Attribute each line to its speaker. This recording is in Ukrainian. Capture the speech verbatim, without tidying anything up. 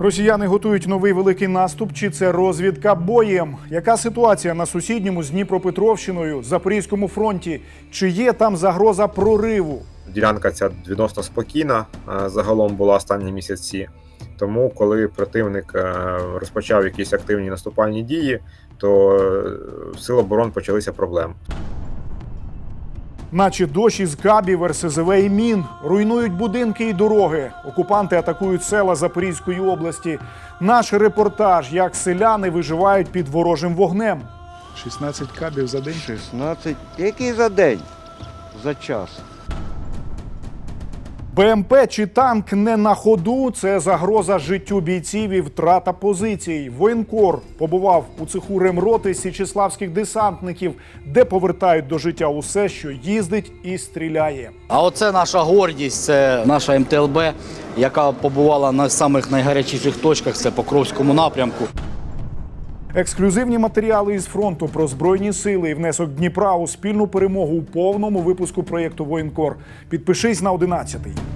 Speaker 1: Росіяни готують новий великий наступ, чи це розвідка боєм? Яка ситуація на сусідньому з Дніпропетровщиною, Запорізькому фронті? Чи є там загроза прориву?
Speaker 2: Ділянка ця відносно спокійна загалом була останні місяці. Тому, коли противник розпочав якісь активні наступальні дії, то в Сил оборон почалися проблеми.
Speaker 1: Наче дощ із кабів, ер ес зе ве і мін. Руйнують будинки і дороги. Окупанти атакують села Запорізької області. Наш репортаж, як селяни виживають під ворожим вогнем.
Speaker 3: шістнадцять кабів за день?
Speaker 4: шістнадцять? Який за день? За час.
Speaker 1: Бе ем пе чи танк не на ходу – це загроза життю бійців і втрата позицій. Воєнкор побував у цеху ремроти січеславських десантників, де повертають до життя усе, що їздить і стріляє.
Speaker 5: А оце наша гордість, це наша ем те ел бе, яка побувала на самих найгарячіших точках, це Покровському напрямку.
Speaker 1: Ексклюзивні матеріали із фронту про Збройні сили і внесок Дніпра у спільну перемогу у повному випуску проєкту «Воєнкор». Підпишись на одинадцятий.